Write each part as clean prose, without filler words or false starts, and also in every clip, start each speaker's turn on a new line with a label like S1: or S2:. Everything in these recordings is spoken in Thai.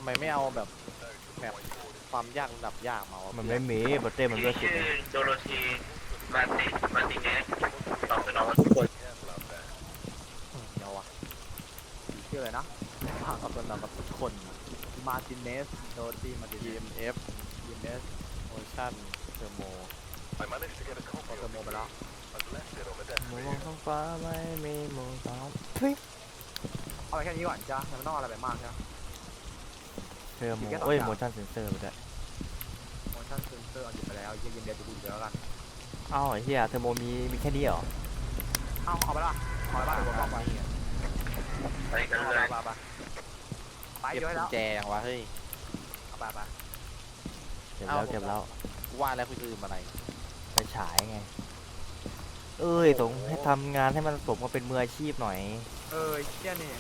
S1: มไม่เอาแบบความยากระดับยากมาวะ
S2: มันไม่มีบอเต้มันเลือกสุด
S3: ชื่อ
S2: เลย
S3: โดโรธีมาติเนสตอบสนองทุกคน
S1: เดี๋ยววะ
S4: ชื่ออะไรนะ
S1: ภาคกับตันกับทุกคน
S4: มาร์ติเนสโดตีมาร์ติเนส
S1: TMF
S4: ทีมเนส
S1: โอชั่นเทอร์โม
S4: พอเทอร์โมไปแล้ว
S2: มองท้องฟ้าไม่มีหมู่สาวทุย
S4: เอาไปแค่นี้ก่อนจ้ะยังไม่ต้องเอาอะไรไปมากจ้ะ
S2: เธอโม
S4: มีแค่สอง
S2: เอ้ย
S4: อย่าง
S2: โมชั่นเซนเซอร์ไปด้วย
S4: motion sensor เอาหยิบไปแล้วยิงเดียวจะดูเดี๋ยวแล้วกัน
S2: เอ้าไอ้เหี้ยเธอโมมีแค่นี้เหรอ
S4: เอาไปละเอาไปบ้านผมบอกไป
S3: ไปกัน
S4: เอา
S3: เลย
S4: ไป
S1: เก็บ
S4: เยอะ
S1: กุ
S4: แล้
S1: ญ
S4: ว
S1: แจยังวะเฮ้ย
S4: เอาไป
S2: เก็บแล้วเก็บแล้ว
S1: กูว่าแล้วคุณจะลืมอะไร
S2: ไปฉายไงเอ้ยต้องให้ทำงานให้มันสมกับเป็นมืออาชีพหน่อย
S4: เชี่ยนี่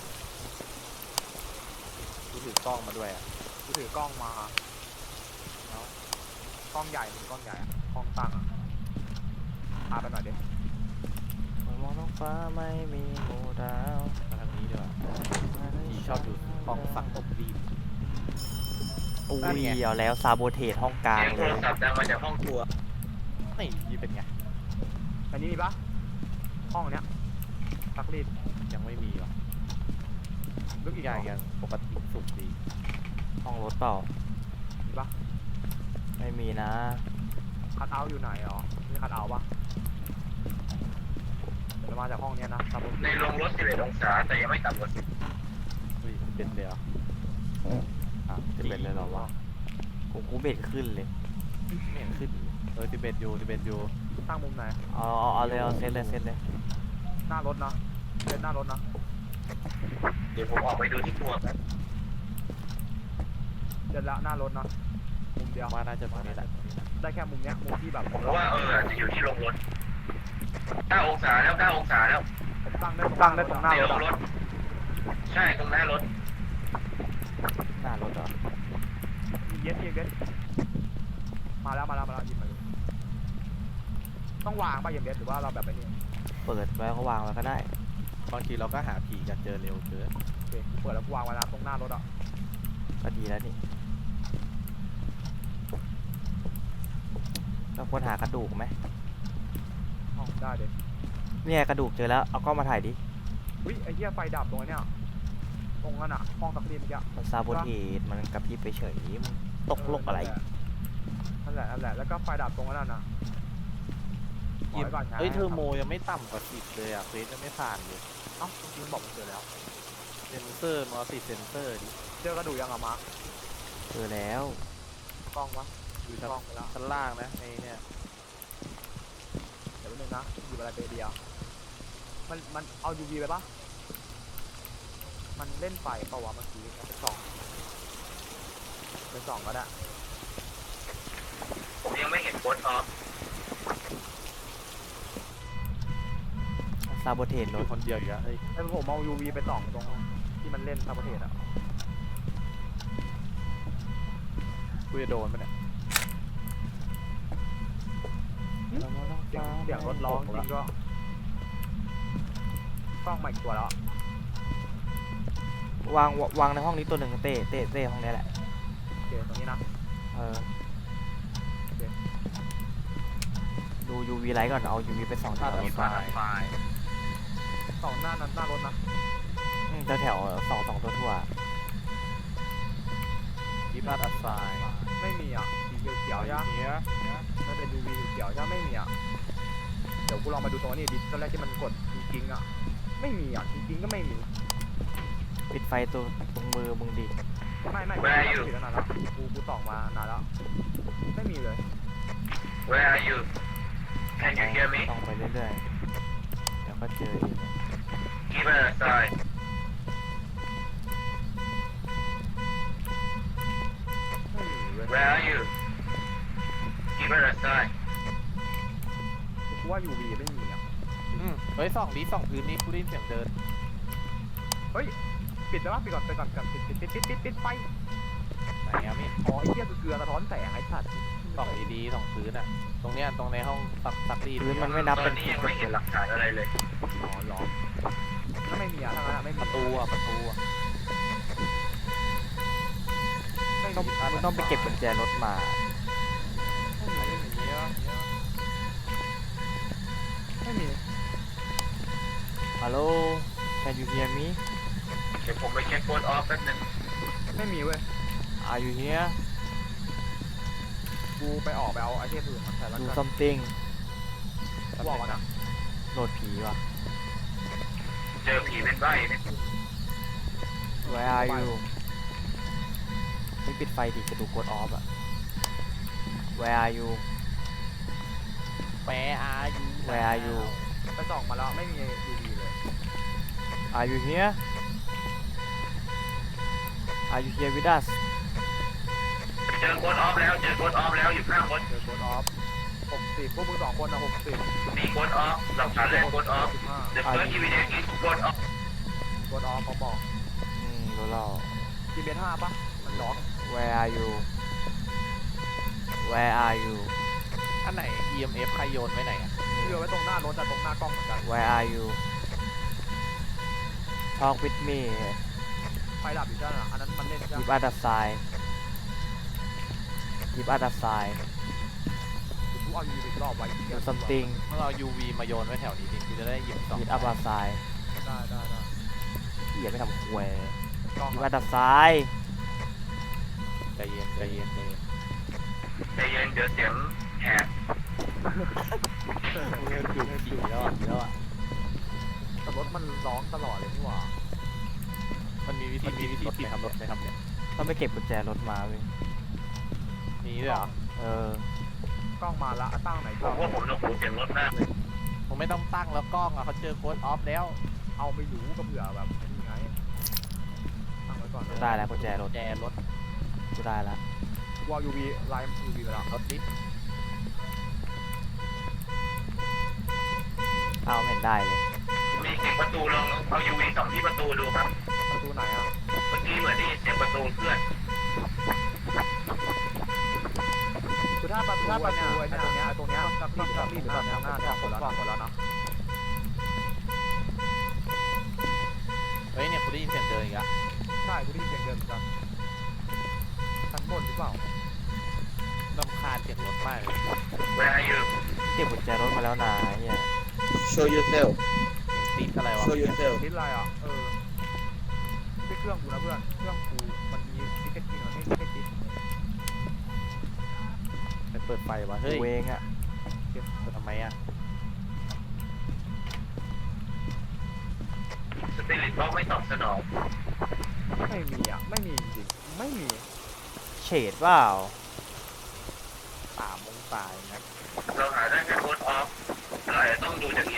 S1: กูถือกล้องมาด้วยอ่ะ
S4: กูถือกล้องมาแล้วกล้องใหญ่กล้องใหญ่กล้องตั้งพาไปหน่อยดิ
S2: มองท้องฟ้าไม่มีหมู่ดาว
S1: มาทางนี้ดีกว่าพี่ชอบดูกล้องฝังอบรีบ
S2: อุ้
S1: นั่น
S2: ย
S1: ไง
S2: เอาแล้วซาโบเทสห้องกลาง
S3: เสียงโท
S2: เล
S3: ร
S2: ย
S3: ศัพท์ดังมาจากห้องครัว
S1: นี่เป็นไง
S4: อันนี้มีปะห้องเนี้ยซักรีด
S1: ยังไม่มีหรอ
S4: ลึกอีก
S1: อย่างยังปกติสุกดี
S2: ห้องรถเปล่า
S4: มีปะ
S2: ไม่มีนะ
S4: คัทเอาท์อยู่ไหนอ๋อมีคัทเอาท์ปะจะมาจากห้องเนี้ยนะซับ
S3: ในโรงรถ11 องศาแต่ยังไม่ต่ำกว่า
S1: เฮ้ยเป็นเลยเหรออ่ะ
S2: จะเป็นเลยเหรอวะกูเบ็ดขึ้นเลย
S1: ไม่เห็นขึ้น11อยู่
S4: ตั้งมุมไหน
S2: เอาเลยเอาเซตเลย
S4: หน้ารถนะเป็นหน้ารถนะ
S3: เดี๋ยวผมออกไปดูที่ครัวกัน
S4: เดินละหน้ารถนะมุมเดียว
S1: ว่าน่าจะตรงนี้แหละ
S4: ได้แค่มุมเนี้ยมุมที่แบบ
S3: ผมว่าอาจจะอยู่ที่โรงรถ9 องศาแล้ว9 องศาแล้ว
S4: ผมตั้งได้ตรงหน้า
S3: เดี๋ยว
S4: รถ
S3: รถ ใช่ตรงหน้ารถ
S2: หน้ารถเหรอ
S4: เย็ดมาแล้วหยิบมาดูต้องวางป่ะเย็นเย็ดหรือว่าเราแบบไอ้นี่
S2: เปิดไว้ก็วางไว้ก็ได้
S1: บางทีเราก็หาผีกันเจอเร็วเกิน
S4: โอเคกูเปิดแล้วกูวางไว้แล้วตรงหน้ารถอ่ะ
S2: ก็ดีแล้วนี่เราควรหากระดูกไหม
S4: อ๋อได้เด็ด
S2: เนี่ยกระดูกเจอแล้วเอากล้องมาถ่ายดิ
S4: วิไอ้เหี้ยไฟดับตรงนี้ตรงนั้นอ่ะห้องซักรีดเมื่อกี้
S2: มันซาโบเทสมันกระพริบไปเฉยมึงตกโลกอะไร
S4: นั่นแหละแล้วก็ไฟดับตรงนั้นน่ะปล่อยไว้ก่อนไง
S1: เฮ้ยเทอร์โมยังไม่ต่ำกว่า10เลยอ่ะเควสยังไม่ผ่านเลย
S4: เอ้ามันบอกมันเจอแล้ว
S1: เซนเซอร์มาติดเซนเซอร์ดิ
S4: เจอกระดูกยังอ่ะมาร์ค
S2: เจอแล้ว
S4: กล้องวะ
S1: อยู่
S4: กล้องไปแล้ว
S1: ชั้นล่างนะไอ้เนี่ย
S4: เดี๋ยวแป๊บนึงนะหยิบอะไรไปเดียวมันเอา UV ไปปะมันเล่นไฟเปล่าวะเมื่อกี้เอาไปส่องก็ได้
S3: ผมยังไม่เห็นโค้ดออฟ
S2: ซาโบเทส
S1: อ
S2: รถ
S1: ยู่คนเดียวอยู่อะเฮ้ย
S4: ไอ้ผมเอา UV ไปส่องตรงที่มันเล่นซาบเทสอ่ะ
S1: กูจะโดนปะเนี่ย
S4: เสียงรถร้องจริงก็กล้องใหม่ตัวแล้ว
S2: วางในห้องนี้ตัวหนึ่งเต้ห้องนี้แหละ
S4: โอเคตรงนี้นะ
S2: เออดู UV ไลท์ก่อนเอา UV ไปส่องแถว
S3: มีไฟ
S4: ส่องหน้ารถนะ
S2: แถวสองตัวทั่ว
S1: ยิบลาดอัดทราย
S4: ไม่มีอ่ะสีเขียวๆใช่ไหม
S1: เนี้ย
S4: มันเป็น UV เขียวๆใช่ไหมไม่มีอ่ะเดี๋ยวกูลองมาดูตรงนี้ดิตอนแรกที่มันกดจริงๆอ่ะไม่มีอ่ะจริงๆก็ไม่มี
S2: ปิดไฟตัวตรงมือมึงดิ
S4: ไม่ผิดแล้วนานแล้วกูส่องมานานแล้วไม่มีเลย
S3: Where are you Can you hear me
S2: ต้องไปเรื่อยๆเดี๋ยวก็เจอเอง
S3: Give it a sign
S4: ไม่มีเลย
S3: Where are you Give it a sign
S4: กูว่า UV ไม่มีอ่ะ
S1: เฮ้ยส่องพื้นนี่กูได้ยินเสียงเดิน
S4: เฮ้ยปิดแล้วปิดก่อนปิดไฟ
S1: ไหนอะมิ
S4: อ๋อไอ้เหี้ยคือเกลือสะท้อนแสงไอ้สัตว์
S1: ส่องดีๆส่องพื้นอะตรงเนี้ยตรงในห้องซักรีด
S2: พื้นมันไม่นับ
S3: ตอ
S2: เป็น น
S3: นี้ยังไม่เห็นหลักฐานอะไรเลย
S4: อ๋อหรอถ้าไม่มีอ่ะถ้างั้นไม่มี
S1: ประตูอะ
S2: มึงต้องไปเก็บกุญแจรถมา
S4: ไม่มี
S2: ฮัลโหล can you hear me
S3: เดี๋ยวผมไปเช็คโค้ดออฟแป๊บนึง
S4: ไม่มีเว้ย
S2: are you here
S4: กูไปออกไปเอาไอเทมอื่นมาใส่แล้ว
S2: do
S4: กัน
S2: something
S4: กูบอกก่อนนะ
S2: โหลดผีว่ะ
S3: เจอผีเป็นใบ้เนี่ย
S2: where are you ไม่ปิดไฟดิจะดูกดออฟอะ where are you
S1: แปะอายุ
S2: where are you
S4: ไปส่องมาแล้วไม่มี UV เลย
S2: are you here are you here with us
S3: เจอโค้ดออฟแล้วเจอโค้ดออฟแล้วอยู่ข้างรถ
S4: เจอโค้ดออฟ60พวกมึง2คนนะ60
S3: มีโค้ดออฟหลักฐานแรกโค้ดออฟ The first evidence is โค้ดออฟ
S4: โค้ดออฟเขาบอก
S2: รู้แล้ว
S4: กินเบส5ปะมันร้อง
S2: where are you where are you
S1: อันไหน EMF ใครโยนไว้ไหนอ่ะ
S4: เรือไว้ตรงหน้ารถแต่ตรงหน้ากล้องเหมือนกัน
S2: where are you talk with me
S4: ไฟดับอยู่ใช่ไหมอันนั้นมันเล่นใช่ไหม
S2: give us a sign give us a sign
S4: กูเอา UV ไปรอบไว้
S2: do something
S1: เมื่อเอา UV มาโยนไว้แถวนี้ดิกูจะได้หยิบสอง
S2: give us a sign
S4: ได้
S2: เหี้ยไม่ทำควย
S4: กล้อง
S2: give us a sign
S1: ใจเย็นใจเย็นใจเย็น
S3: ใจเย็นเดี๋ยวเสียงแหบ
S1: กูเริ่มดูผีแล้วอ่ะ
S4: แต่รถมันร้องตลอดเลยนี่หว่า
S1: มันมีวิธีรถไหมครับเนี่ย
S2: ต้องไปเก็บกุญแจรถมาเว้ย
S1: มีด้วยเหรอ
S4: กล้องมาละตั้งไหน
S3: ผ
S4: กล้อ
S3: ม
S4: ง
S3: ว่าผมต้องหูเสียงรถมากเลย
S1: ผมไม่ต้องตั้งแล้วกล้องอ่ะเขาเจอโค้ดออฟแล้ว
S4: เอาไม่รู้ก็เผื่อแบบนี่ไงตั้งไว้ก่อน
S2: ได้แล้วกุญแจรถ
S1: แจรถ
S2: กูได้แล้ว
S4: วอล UV ไลน์ UV ไปแล้ว
S1: รถดิ
S2: เอาไม่เห็นได้เลย
S3: มีเสียงประตูลองเอา UV ส่องที่ประตูดูครับ
S4: ประตูไหนอ่ะ
S3: เมื่อกี้เหมือนได้ยินเสียงประตูเคลื่อน
S4: คือถ้าประตูไอ้เนี่ยตรงเนี้ยสักรีบหรือแบบหน้าเนี่ยหมดแล้วนะ
S1: เฮ้ยเนี่ยกูได้ยินเสียงเดินอีกอ่ะ
S4: ใช่กูได้ยินเสียงเดินเหมือนกันชั้นบนหรือเปล่าร
S1: ำคาญเสียงรถมากเลย
S3: Where are you
S2: เก็บกุญแจรถมาแล้วนะเฮีย
S5: Show yourself.
S1: เสียงติ๊กอะไรวะ
S5: Show yourself.
S4: คิดอะไรอ่ะไม่ใช่เครื่องกูนะเพื่อนเครื่องกูมันมีทิกเก็ตจริงเหรอไม่ทิกเก็ตจริง
S1: ไปเปิดไฟวะเฮ้ย
S2: กูเองอะ
S1: เปิดทำไมอ่ะ
S3: สปิริตบ็อกไม่ตอบสนอง
S4: ไม่มีอ่ะไม่มีจริงไม่มี
S2: เฉดเปล่า
S1: 3 องศาอย่างนั้น
S3: เราหาได้แค่โค้ดออฟเราอาจจะต้องดูจากนี้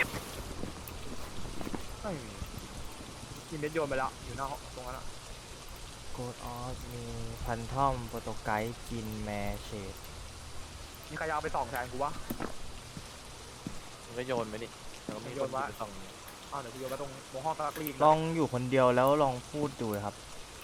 S4: ไม่มีกินเบสโยนไปแล้วอยู่หน้าตรงนั้นอ่ะ
S2: โกดออฟมีพันทอมโปรโตไกด์จินแมเชด
S4: มีใครเอาไปส่องแทนกูวะ
S1: มึงก็โยนไปดิแล้วก็มี
S4: โย
S1: คน
S4: นวะ
S1: ไปส่อง
S4: อ้าวเดี๋ยวกูโยนไปตรงห้องตะกรีน
S2: ลองอยู่คนเดียวแล้วลองพูดดูครับ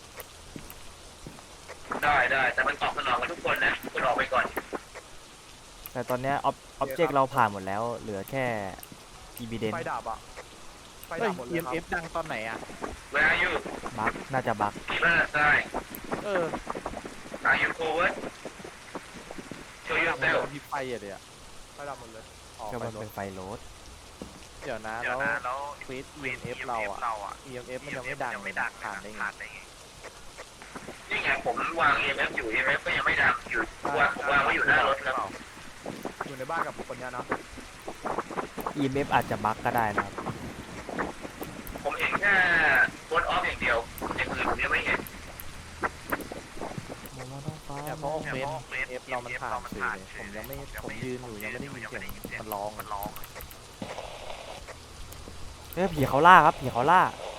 S3: ได้แต่มันตอบสนองกันทุกคนนะคุณออกไปก่อน
S2: แต่ตอนเนี้ยออบเจกต์เราผ่านหมดแล้ว เหลือแค่ evidence
S4: ไฟดับอ่ะไฟ
S1: เฮ้
S4: ดั
S1: ย
S4: บหมดเลยครับ
S1: EMF ดังตอนไหนอ่ะ
S3: Where are you
S2: บั๊กน่าจะบั๊ก
S3: Keep on the side
S1: เออ
S3: Are you forward Show
S1: มัน
S3: yourself
S1: มีไฟอะเดี๋ยว
S4: ไฟดับหมดเลย
S1: ออก
S2: ก็
S1: ไป
S2: มัน
S1: ร
S2: เป็
S1: ถ
S2: นไฟโรด
S1: เดี๋ยวนะ
S3: เดี๋ยว
S1: แล้ว
S3: นะแล้ว
S1: เฟส EMF เราอ่ะ EMF มันยังไม่ดังเลยนะผ่านได้ไง
S3: นี่ไงผมวาง EMF อยู่ EMF ก็ยังไม่ดังอยู่ผมวางไว้อยู่หน้ารถครับ
S4: อยู่ในบ้านกับคนเนี้ยนะ
S2: EMF อาจจะบั๊กก็ได้นะครับ
S3: ผมเห็นแค่โค้ดออฟอย่างเดียวอย่างอื่นผมยังไม่เห็น
S1: เนี่ยเพราะเฟส EMF เรามันผ่านสื่อเลยผมยืนอยู่ยังไม่ได้ยินเสียงมันร้อง
S2: เฮ้ยผีเขาล่าครับผีเขาล่า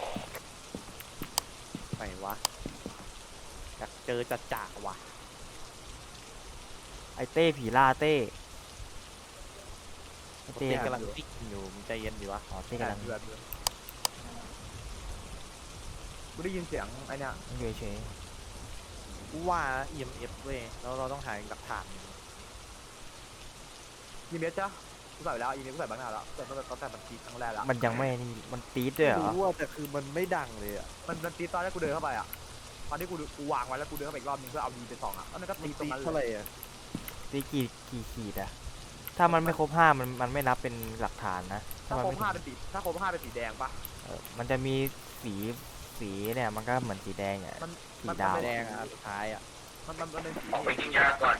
S1: ไหนวะอยากเจอจะจ่าว่ะ
S2: ไอเต้ผีล่าเต้ไอ
S1: เต้
S2: เต้
S1: กำลังติ๊กอยู่มึงใจเย็นดีวะ
S2: อ๋อเต้กำลัง
S4: เดือดกูได้ยินเสียงไอ้เนี่ย
S2: อยู่เฉย
S1: กูว่า EMF เว้ยแล้วเราต้องหาหลักฐาน
S4: ยีเมสจ้ะกูใส่ไปแล้วยีเมสกูใส่บ้างหน้าแล้วแต่ตั้งแต่มันตีครั้งแรกแล้ว
S2: ๆมันยังไม่นี่มันตีดด้วยเหรอ
S1: รู้ว่าแต่คือมันไม่ดังเลยอ่ะ
S4: มันตีตอนแรกกูเดินเข้าไปอ่ะตอนที่กูวางไว้แล้วกูเดินเข้าไปอีกรอบนึงเพื่อเอา V ไปส่องอะแล้วมันก็ตีตรง
S1: ตี
S4: นั้น
S1: เท่าไห
S4: เล
S1: ร่
S4: ย
S1: อ่ะ
S2: ตีกี่ขีดอะถ้ามันไม่ครบ5มันไม่นับเป็นหลักฐานนะ
S4: ถ้า
S2: มัน
S4: ครบ
S2: ไม่
S4: 5เป็นสีถ้าครบ5เป็นสีแดงปะ
S2: มันจะมีสีเนี่ยมันก็เหมือนสีแดงอ่ะ
S4: มัน
S2: สีดาว
S1: แดงอ่ะสุดท้ายอ่ะ
S4: มันเป็นสี
S3: ออกไปกินยาก่อน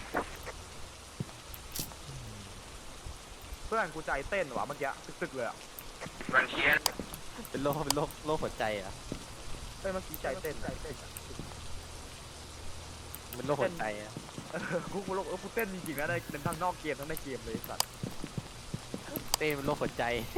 S4: เพื่อนกูใจเต้นว่ะเมื่อกี้ตึกๆเลยอะ
S3: มันเครียด
S1: เป็นโรคหัวใจอ่ะ
S4: เมื่อกี้ใจเต้น
S1: เป็นโรคหัวใจอ่ะ
S4: กูเต้นจริงๆนะในทั้งนอกเกมทั้งในเกมเลยสัตว์
S1: เต้เป็นโรคหัวใจ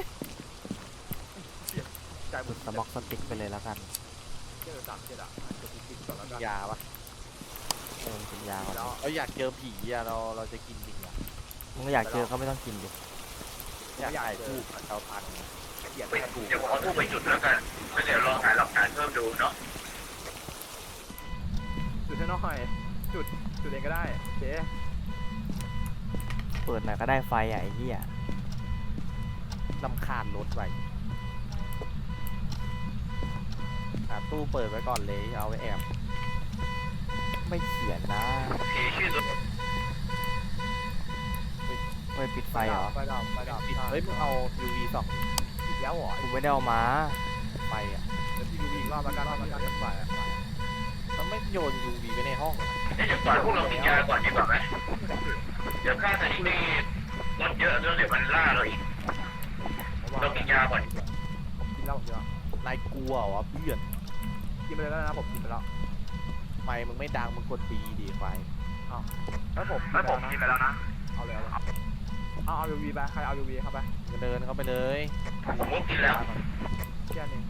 S4: ใจหมด
S2: สม็อกสติ๊กไปเลยแล้วกัน
S4: เจอ37อะจะกูกินก่อนแล้วกัน
S1: ยาปะ
S2: เป็นยาก่อน
S4: แล้ว
S1: เราอยากเจอผีอ่ะเราจะกินจริงอ่ะ
S2: มึงอยากเจอก็ไม่ต้องกินดิ
S1: อยากถ่ายรูปกับเตาตัง
S4: เกลียด
S3: เดี๋
S4: แค่กู
S3: ยวผมเอาทูบไปจุดแล้วกันแล้วเดี๋ยวลองหาหลักฐานเพิ่มดูเนาะ
S4: จุดให้น้อยจุดเองก็ได้เจ๊
S2: เปิดหน่อยก็ได้ไฟอ่ะไอ้เหี้ย
S1: ลำคาญรถไปตู้เปิดไว้ก่อนเลยเอาไว้แอบ
S2: ไม่เขียนนะ
S3: ผีชื่อตัว
S2: ไม่ปิดไฟเหรอ
S4: ไฟดับ
S1: เฮ้ยมึงเอา UV ส่อง
S4: อีกแล้วเหรอ
S2: กูไม่ได้เอามา
S1: ไฟอ่ะ
S4: เดี๋ยวพี่ดูอีกรอบแล้วกันรอบแล้วกันเล่นไฟอะ
S1: ต้องไม่โยน UV ไว้ในห้องอะ
S3: เดี๋ยวก่อนพวกเรากินยาก่อนดีกว่าไหมเดี๋ยวค่าสถิติลดเยอะแล้วเดี๋ยวมันล่าเราอีก เรากินยาก่อน
S4: กินแล้วผมกินแล้ว
S1: นายกลัวเหรอเพื่อน
S4: กินไปเลยแล้วนะผมกินไปแล้ว
S1: ไม่มึงไม่ดังมึงกดปีดีไฟ
S4: แล้วผมกินไปแล้วนะเอาเลยเอา UV ไปใครเอา UV เข้าไป
S1: มึงเดินเข้าไปเลย
S3: ผมก็กินแล้ว
S4: แค่นี้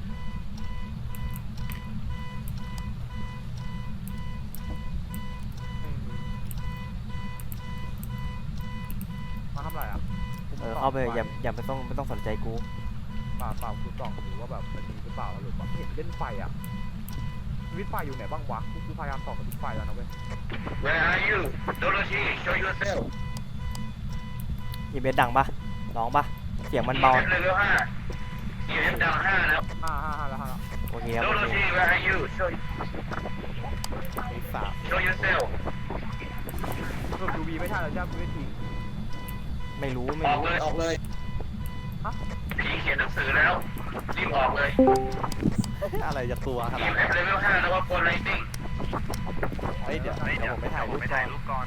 S4: มาทำไรอ่ะ
S2: เข้าไปอย่าไม่ต้องสนใจกู
S4: เปล่ากูส่องดูว่าแบบมันมีหรือเปล่าหรือว่าเห็นเล่นไฟอ่ะสวิตช์ไฟอยู่ไหนบ้างวะกูพยายามส่องสวิตช์ไฟแล้วนะเว้ย
S3: Where are you Dorothy show yourself
S2: อีเบสดังปะร้องปะเสียงมันเบา
S3: EMF level 5 EMF ดัง5แล้ว
S4: ห้าแล้ว
S2: โอเคครับโอเค
S3: Dorothy where are you
S1: ไอ้สาม
S3: show yourself
S4: สรุป UV ไม่ใช่แล้วใช่ไหมกูไม่ทิ้ง
S2: ไม่รู้
S3: ออกเลยผีเขียนหนังสือแล้วรีบออกเลย
S1: อะไรจะตัวขนาด
S3: EMF
S1: นั้น
S3: level 5แล้วว่า Phone Lighting
S1: เฮ้ยเดี๋ยวผมไปถ่ายรูปก่อน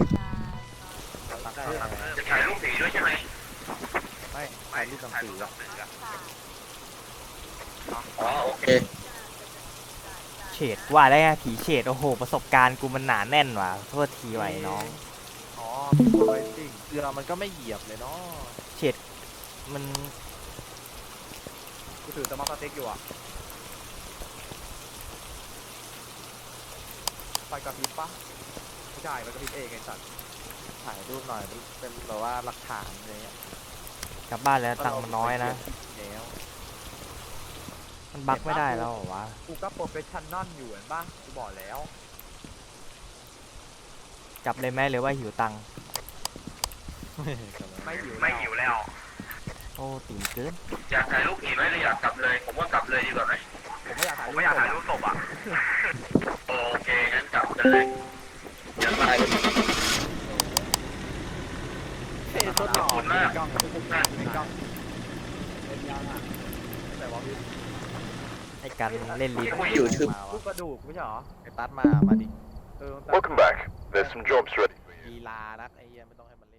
S3: จะถ่ายรูปผีด้วยใช่ไหม
S1: ไม่ถ่ายรูปหนังสืออะ
S3: อ๋อโอเค
S2: เฉดว่าได้ไงผีเฉดโอ้โหประสบการณ์กูมันหนาแน่นว่ะโทษทีไว้น้อง
S4: อ๋อมีโพลาไรซิ่ง
S1: เรือมันก็ไม่เหยียบเลยเนาะ
S2: เฉดมัน
S4: กูถือสมาร์ทสติ๊กอยู่อ่ะไฟกระพริบปะไม่ใช่มันกระพริบเองไอ้สัตว์
S1: ถ่ายรูปหน่อยเป็นแบบว่าหลักฐานอะไรเงี้ย
S2: กลับบ้านแล้วตังค์มันน้อยนะ
S1: แล้ว
S2: มันบักไม่ได้แล้วเหรอวะ
S4: กูก็โปรเฟชชั่นนอลอยู่เห็นปะกูบอกแล้ว
S2: กลับเลยไหมหรือว่าหิวตังค์
S4: ไม่หิว
S3: ไม่หิวแล้ว
S2: โอ้ตีนเกิน
S3: อยากถ่ายรูปผีไหมหรืออยากกลับเลย ผมว่ากลับเลยดีกว่าไหม
S4: ผมไม่อยากถ่ายรูปศพอ่ะ
S3: โอเคงั้นกลับกันเลยอย่าตายเลย
S1: เฮ้ยต้นหอมมีกล้องมีกล้อง
S4: เป็นยังอ่ะแต่ว่าพี่
S2: ไอ้กันเล่นลิ้น
S4: ลูกกระดูกไม่ใช่เหรอ
S1: ไอ้ตัดมาดิ
S4: เออ
S5: Welcome back. There's some jobs ready for you.
S1: ลีลานักไอ้เหี้ยไม่ต้องให้มันเล่น